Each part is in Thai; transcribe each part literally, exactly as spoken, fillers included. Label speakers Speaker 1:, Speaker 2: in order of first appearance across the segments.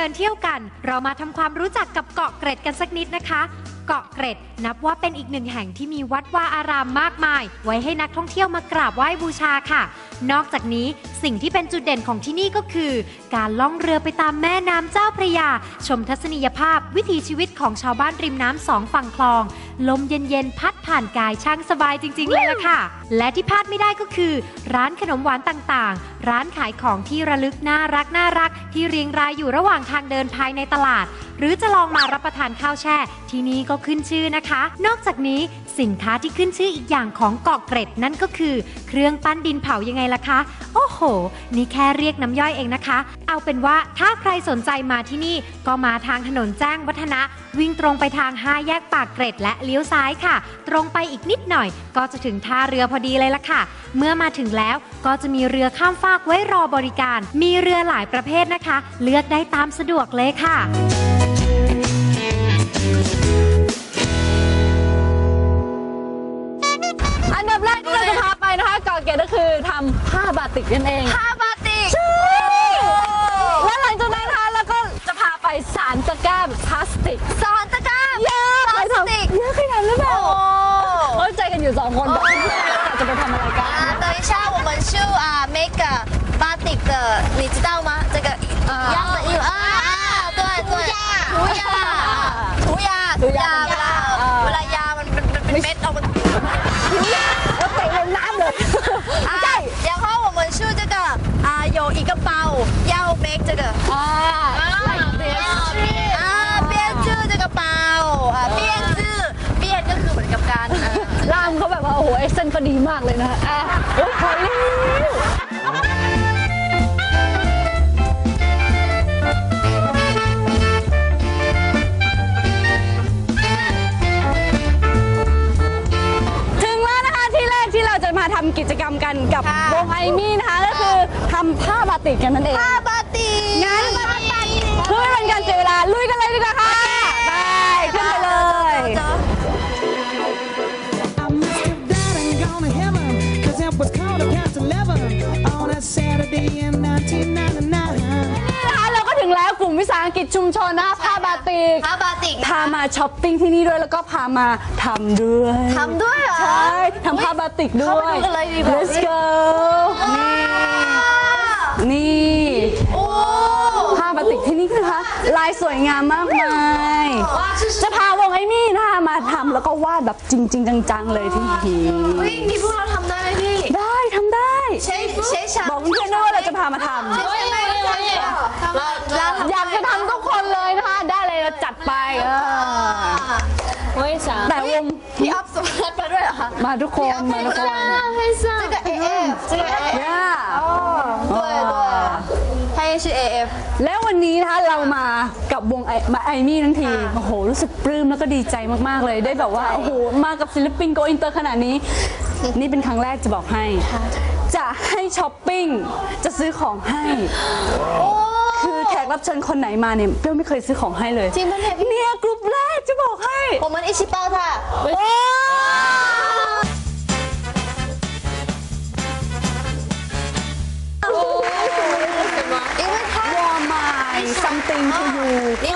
Speaker 1: ดินเที่ยวกันเรามาทำความรู้จักกับเกาะเกร็ดกันสักนิดนะคะเกาะเกร็ดนับว่าเป็นอีกหนึ่งแห่งที่มีวัดวาอารามมากมายไว้ให้นักท่องเที่ยวมากราบไหว้บูชาค่ะนอกจากนี้สิ่งที่เป็นจุดเด่นของที่นี่ก็คือการล่องเรือไปตามแม่น้ำเจ้าพระยาชมทัศนียภาพวิถีชีวิตของชาวบ้านริมน้ำสองฝั่งคลองลมเย็นๆพัดผ่านกายช่างสบายจริงๆเลยล่ะค่ะและที่พลาดไม่ได้ก็คือร้านขนมหวานต่างๆร้านขายของที่ระลึกน่ารักน่ารักที่เรียงรายอยู่ระหว่างทางเดินภายในตลาดหรือจะลองมารับประทานข้าวแช่ที่นี่ก็ขึ้นชื่อนะคะนอกจากนี้สินค้าที่ขึ้นชื่ออีกอย่างของเกาะเกร็ดนั่นก็คือเครื่องปั้นดินเผายังไงล่ะคะโอ้โหนี่แค่เรียกน้ำย่อยเองนะคะเอาเป็นว่าถ้าใครสนใจมาที่นี่ก็มาทางถนนแจ้งวัฒนะวิ่งตรงไปทางห้าแยกปากเกร็ดและเลี้ยวซ้ายค่ะตรงไปอีกนิดหน่อยก็จะถึงท่าเรือพอดีเลยล่ะค่ะเมื่อมาถึงแล้วก็จะมีเรือข้ามฟากไว้รอบริการมีเรือหลายประเภทนะคะเลือกได้ตามสะดวกเลยค่ะ
Speaker 2: อันดับแรกที่เราจะพาไปนะคะเกาะเกร็ดก็คือทำผ้าบาติกนั่นเอง
Speaker 3: ผ้าบาติก
Speaker 2: และหลังจากนั้นนะคะเราก็จะพาไปสารตะกร้าแบบพลาสติก
Speaker 3: สอนตะกร้า
Speaker 2: เยอะพลาสติกเยอะขนาดนั้นเลยโอ้ใจกันอยู่สองคนจะไปทำอะไรกัน
Speaker 3: 等一下我们去啊 make batik 的你知道吗这个样的衣服啊对对涂鸦涂鸦涂鸦เวลาเวลายามันเป็นเป็นเม็ดออกมา
Speaker 2: 涂鸦แล้วเตะลงน้ำเลย
Speaker 3: ใช่然后我们去这个啊有一个包要 make 这个
Speaker 2: 啊
Speaker 3: 啊编织这个包啊编织编ก็คือเหมือนกับการ
Speaker 2: ล่ามเขาแบบว่าโอ้โหเอ็กเซนก็ดีมากเลยนะอ่ะโอ้ยถอยแล้วมาทำกิจกรรมกันกับวงไอมี่นะคะก็คือทำผ้าบาติกกันนั่นเอง
Speaker 3: ผ้าบาติก
Speaker 2: งั้นเพื่อไม่เป็นการเสียเวลาลุยกันเลยดีกว่าค่ะไปขึ้นไปเลยถึงแล้วกลุ่มวิสาหกิจชุมชนนะผ้าบาติก
Speaker 3: ผ้าบาติก
Speaker 2: พามาช้อปปิ้งที่นี่ด้วยแล้วก็พามาทำด้วย
Speaker 3: ทำด้วยเหรอ
Speaker 2: ใช่ทำผ้าบาติกด้วย Let's go นี่นี่ผ้าบาติกที่นี่นะคะลายสวยงามมากมายจะพาวงไอ้มี่นะคะมาทำแล้วก็วาดแบบจริงๆจังๆเลยที่นี่
Speaker 3: นี่พวกเราทำได้ไหมพี่
Speaker 2: ได้ทำได้
Speaker 3: ใช่ใช่
Speaker 2: บอกเพื่อนๆว่าเราจะพามาทำอยากจะทำทุกคนเลยนะคะได้เลยเราจัดไปแต่วง
Speaker 3: พี่อัพสมัครมาด้วยเหรอคะ
Speaker 2: มาทุกคนมาทุกคน
Speaker 3: 这个 A F 这个 A F 哦对对他也是 A F
Speaker 2: แล้ววันนี้นะคะเรามากับวงมาไอมี่ทั้งทีโอ้โหรู้สึกปลื้มแล้วก็ดีใจมากๆเลยได้แบบว่าโอ้โหมากับศิลปินโกอินเตอร์ขนาดนี้นี่เป็นครั้งแรกจะบอกให้จะให้ช้อปปิ้งจะซื้อของให้คือแขกรับเชิญคนไหนมาเนี่ยเปรี้ยวไม่เคยซื้อของให้เลย
Speaker 3: จริงไหม
Speaker 2: เนี่ยกลุ่มแรกจะบอกให้
Speaker 3: 我们一起包它因为它
Speaker 2: warm my something to you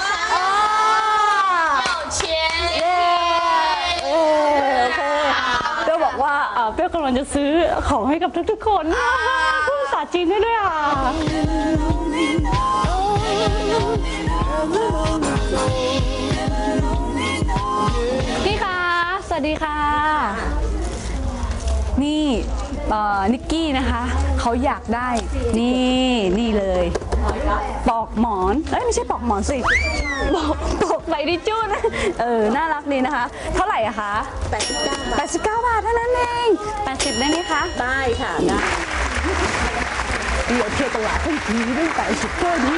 Speaker 2: เปรี้ยวบอกว่าเปรี้ยวกำลังจะซื้อของให้กับทุกๆคนพูดภาษาจีนได้ด้วยอ่ะพี่คะสวัสดีค่ะนี่นิกกี้นะคะเขาอยากได้นี่นี่เลยปอกหมอนเอ้ยไม่ใช่ปอกหมอนสิปอกปอกใบดิจูนเออน่ารักดีนะคะเท่าไหร่อะคะแปดสิบเก้าบาทแปดสิบเก้าบาทเท่านั้นเองแปดสิบได้ไหมคะ
Speaker 3: ได้ค่ะได้
Speaker 2: เดี๋ยวเที่ยวตลาดทั้งทีด้วยแปดสิบเก้านี้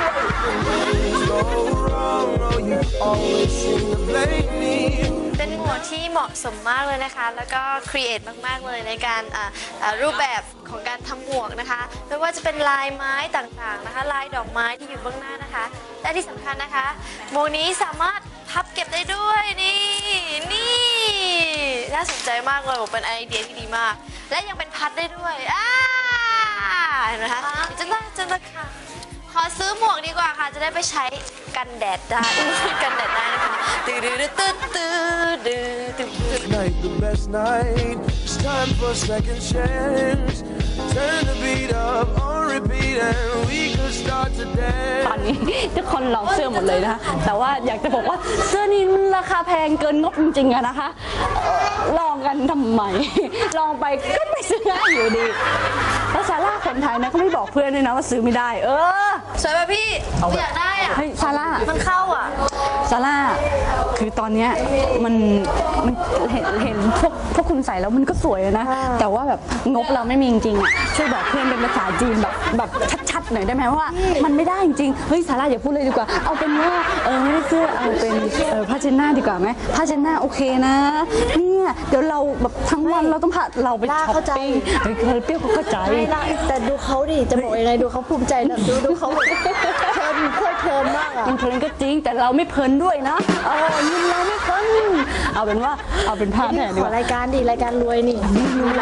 Speaker 3: เป็นหมวกที่เหมาะสมมากเลยนะคะแล้วก็ครีเอทมากๆเลยในการรูปแบบของการทำหมวกนะคะไม่ว่าจะเป็นลายไม้ต่างๆนะคะลายดอกไม้ที่อยู่เบื้องหน้านะคะและที่สำคัญนะคะหมวกนี้สามารถพับเก็บได้ด้วยนี่นี่น่าสนใจมากเลยเป็นไอเดียที่ดีมากและยังเป็นพัดได้ด้วยอ่าเห็นไหมคะจังเลยจังเลยค่ะขอซื้อหมวกดีกว่าค่ะ จะได้ไปใช้กันแดดได้กันแดดได้นะคะตื้อตื้อตื้อตื้อตื้อตื้อ
Speaker 4: Night, the best night. It's time for a second chance. Turn the beat up on repeat and we could start to
Speaker 2: ตอน
Speaker 4: dance.
Speaker 2: นี้ทุกคนลองเสื้อหมดเลยนะคะแต่ว่าอยากจะบอกว่าเสื้อนี้มันราคาแพงเกินงบจริงๆอะนะคะเอ่อลองกันทำไม ลองไปก็ไม่ซื้อง่ายอยู่ดีแล้วซาร่าคนไทยนะก็ไม่บอกเพื่อนด้วยนะว่าซื้อไม่ได้ เออ
Speaker 3: สวยป่ะพี่หนูอยากได้อ่ะ
Speaker 2: เฮ้ยซาร่า
Speaker 3: มันเข้าอ่ะ
Speaker 2: ซาร่าคือตอนเนี้ยมันมันเห็นเห็นพวกพวกคุณใส่แล้วมันก็สวยนะ แต่ว่าแบบงบเราไม่มีจริงๆอ่ะช่วยบอกเพื่อนเป็นภาษาจีนแบบแบบชัดๆหน่อยได้ไหมว่ามันไม่ได้จริงๆเฮ้ยซาร่าอย่าพูดเลยดีกว่าเอาเป็นว่าเออไม่ได้เสื้อเอาเป็นเออผ้าเช็ดหน้าดีกว่าไหมผ้าเช็ดหน้าโอเคนะเนี่ยเดี๋ยวเราแบบทั้งวันเราต้องพาเราไปช้อปปิ้งเฮ้ยเคยเปรี้ยวเขาเข้าใจ
Speaker 5: ไม่ได้แต่ดูเขาดิ จะบอกยังไงดูเขาภูมิใจนะดูดูเขาแบบเพลินเพลิดเพลินมากอ่ะ
Speaker 2: มันเพลินก็จริงแต่เราไม่เพลินด้วยนะเออยินเราไม่เพลินเอาเป็นว่าเอาเป็นผ้าแทนดี
Speaker 5: ข
Speaker 2: ก
Speaker 5: อ
Speaker 2: ว่า
Speaker 5: รายการดิรายการรวยนี่
Speaker 2: ดูอะไร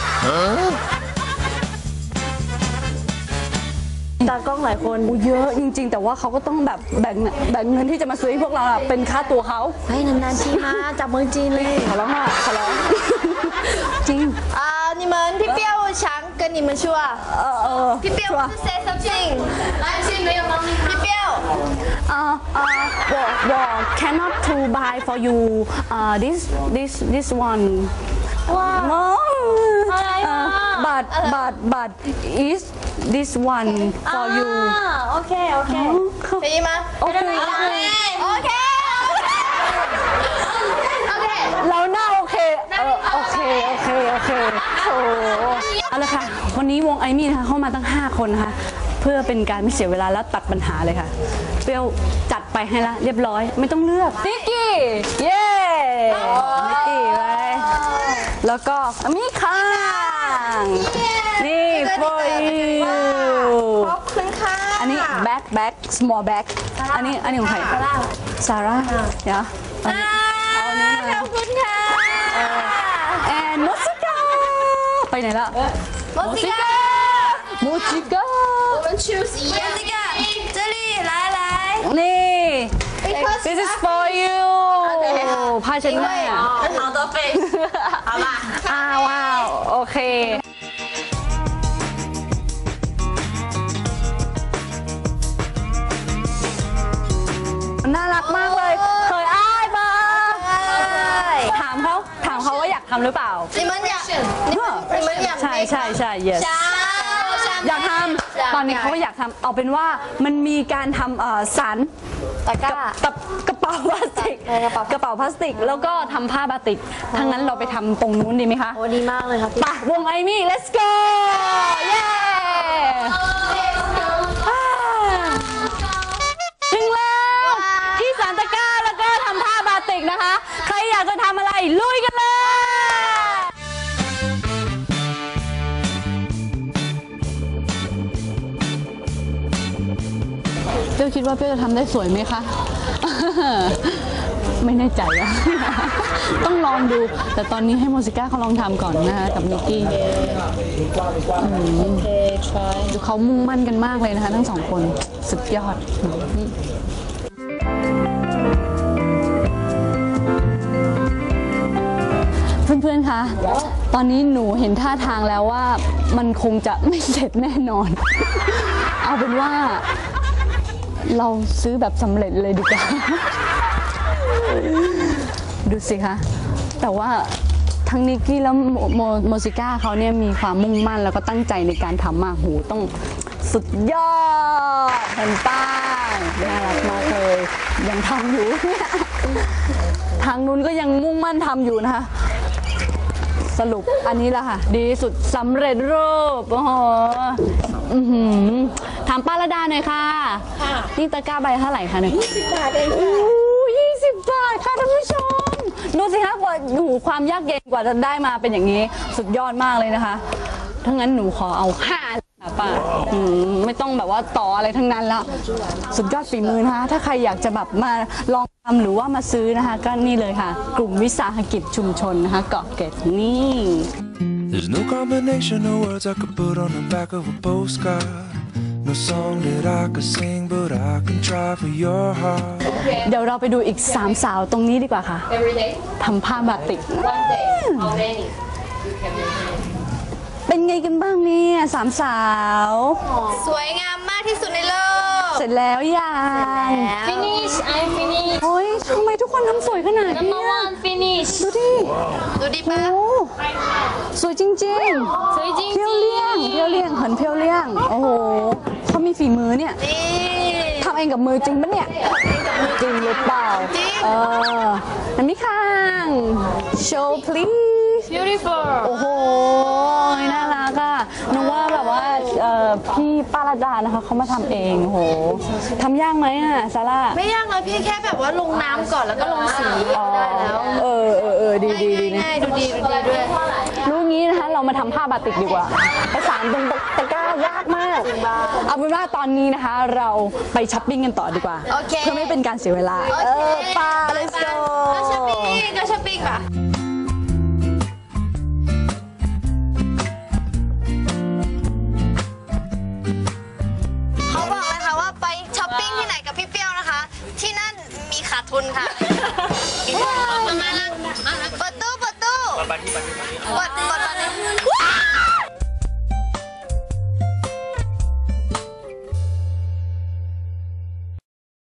Speaker 5: ตากล้องหลายคน
Speaker 2: เยอะจริงๆ แต่ว่าเขาก็ต้องแบบแบ่งแบ่งเงินที่จะมาซื้อให้พวกเราอะเป็นค่าตัวเขา
Speaker 5: ให้นานๆทีมาจากเมืองจีนเลย
Speaker 2: ขอร้องอ่ะขอร้อง จริง
Speaker 3: 啊，你们พี่เปรี้ยว想跟你们说，
Speaker 2: เออเออ
Speaker 3: พี่เปรี้ยว say something，来，信没有吗？พี่เปรี้ยว
Speaker 2: เออเออ我我 cannot to buy for you เอ่อ this this this one
Speaker 5: ว้าว
Speaker 2: no
Speaker 5: อะไรวะ
Speaker 2: but but but is this one for you
Speaker 5: อ่าโอเค โอเค
Speaker 3: 可以吗？
Speaker 2: โอเค
Speaker 3: OK OK。
Speaker 2: เราหน้าโอเค เออโอเค โอเค โอเคโอ้เอาละค่ะ วันนี้วงไอมี่นะคะเข้ามาตั้ง ห้า คนนะคะ เพื่อเป็นการไม่เสียเวลาและตัดปัญหาเลยค่ะ เปรี้ยวจัดไปให้ละเรียบร้อย ไม่ต้องเลือกนิกกี้ เย้นิกกี้ไปแล้วก็มิคังนี่ for you
Speaker 3: ขอบคุณค่ะ
Speaker 2: อันนี้ back back small back อันนี้อันนี้ของใครซาร่าเดี๋ยวเอาอันนี้มา
Speaker 3: ขอบคุณค่ะ
Speaker 2: แอนโมซิก้าไปไหนละ
Speaker 3: โมซิก้า
Speaker 2: โมซิก้า
Speaker 3: 我们 choose 一样这个这里来来
Speaker 2: นี่
Speaker 3: because
Speaker 2: this is for you ผ้าเช็ดหน้า
Speaker 3: 好的 face 好吧
Speaker 2: อ้าวว้าวโอเคน่ารักมากเลย เคยอ้ายปะถามเขาถามเขาว่าอยากทำหรือเปล่า
Speaker 3: 你们想你们你们想
Speaker 2: ใช่ใช่ใช่ yes
Speaker 3: 想
Speaker 2: อยากทำตอนนี้เขาก็อยากทำเอาเป็นว่ามันมีการทำเอ่อสาร
Speaker 5: ตะกร้า
Speaker 2: กับกระเป๋าพลาสติก
Speaker 5: เออกระเป๋า
Speaker 2: กระเป๋าพลาสติก แล้วก็ทำผ้าบาติกทั้างนั้นเราไปทำตรงนู้นดีไหมคะ
Speaker 5: โอ้ดีมากเลยครับ
Speaker 2: ไปวงไอมี่ let's go เย้อ่าถึงแล้วที่สานตะกร้าแล้วก็ทำผ้าบาติกนะคะ ใครอยากจะทำอะไรลุยกันเลยเปรี้ยวคิดว่าเปรี้ยวจะทำได้สวยไหมคะ ไม่แน่ใจอะ ต้องลองดู แต่ตอนนี้ให้โมซิก้าเขาลองทำก่อนนะคะกับนิกกี้
Speaker 5: โอเค try
Speaker 2: ดูเขามุ่งมั่นกันมากเลยนะคะทั้งสองคนสุดยอด เพื่อนๆ คะ ตอนนี้หนูเห็นท่าทางแล้วว่ามันคงจะไม่เสร็จแน่นอน เอาเป็นว่าเราซื้อแบบสำเร็จเลยดีกว่า ดูสิคะ แต่ว่าทั้งนิกกี้แล้วโมโมโมซิก้าเขาเนี่ยมีความมุ่งมั่นแล้วก็ตั้งใจในการทำมากหูต้องสุดยอดเห็นป้าน่ารักมากเลยยังทำอยู่เนี่ยทางนู้นก็ยังมุ่งมั่นทำอยู่นะคะ สรุปอันนี้แหละค่ะ ดีสุดสำเร็จรูปโอ้โหอื้อหือถามป้าระดาหน่อยค่ะนี่ตะกร้าใบเท่าไหร่คะเนี่ยยี่สิบบาทเองค่ะยี่สิบบาทค่ะท่านผู้ชมดูสิคะกว่าดูความยากเย็นกว่าจะได้มาเป็นอย่างนี้ สุดยอดมากเลยนะคะถ้างั้นหนูขอเอาห้าค่ะป้าอืมไม่ต้องแบบว่าต่ออะไรทั้งนั้นแล้วสุดยอดฝีมือนะคะถ้าใครอยากจะแบบมาลองทำหรือว่ามาซื้อนะคะก็นี่เลยค่ะ กลุ่มวิสาหกิจชุมชนนะคะเกาะเกร็ดนี่
Speaker 4: There's no combination of words I could put on the back of a postcard. No song that I could sing, but I can try for your heart.
Speaker 2: เดี๋ยวเราไปดูอีกสามสาวตรงนี้ดีกว่าค่ะทำผ้าบาติกเป็นไงกันบ้างเนี่ยสามสาว
Speaker 3: สวยงามมากที่สุดในโลก
Speaker 2: เสร็จแล้วยัง
Speaker 6: Finish I'm finish
Speaker 2: โอ้ยทำไมทุกคนทำสวยขนาดนี้
Speaker 6: number one finish
Speaker 2: ดูดิ
Speaker 3: ดูดิ
Speaker 2: โอ้
Speaker 3: ป้า
Speaker 2: สวยจริงๆ
Speaker 6: สวยจริง
Speaker 2: เพียวเลี่ยงเพียวเลี่ยงเหินเพียวเลี่ยงโอ้โหเขามีฝีมือเนี่ย
Speaker 3: นี่
Speaker 2: ทำเองกับมือจริงปะเนี่ยจริงหรือเปล่า
Speaker 3: จริง
Speaker 2: เอออันนี้ข้าง show please
Speaker 6: beautiful
Speaker 2: โอ้โหน่ารักอะนึกว่าแบบว่าเอ่อพี่ป้ารัตดานะคะเขามาทำเองโอ้โหทำยากไหมอะซาร่า
Speaker 3: ไม่ยากเลยพี่แค่แบบว่าลงน้ำก่อนแล้วก็ลงสีได้แล้ว
Speaker 2: เออเออเออดีดีดีนะ
Speaker 3: ง่ายๆดูดีดูดีด้วย
Speaker 2: รู้งี้นะคะเรามาทำผ้าบาติกดีกว่าประสานตรงตะกร้ายากมากเอาเป็นว่าตอนนี้นะคะเราไปช้อปปิ้งกันต่อดีกว่า
Speaker 3: โอเค
Speaker 2: เพื่อไม่เป็นการเสียเวลา
Speaker 3: โอ
Speaker 2: เอ
Speaker 3: เค
Speaker 2: อไป้า let's
Speaker 3: ไป
Speaker 2: go
Speaker 3: ก็ช้อปปิ้งก็ช้อปปิ้งป่ะเขาบอกเลยค่ะว่าไปช้อปปิ้งที่ไหนกับพี่เปรี้ยวนะคะ ที่นั่นมีขาดทุนค่ะมามาเปิดตู้เปิดตู้เปิดเปิดเปิด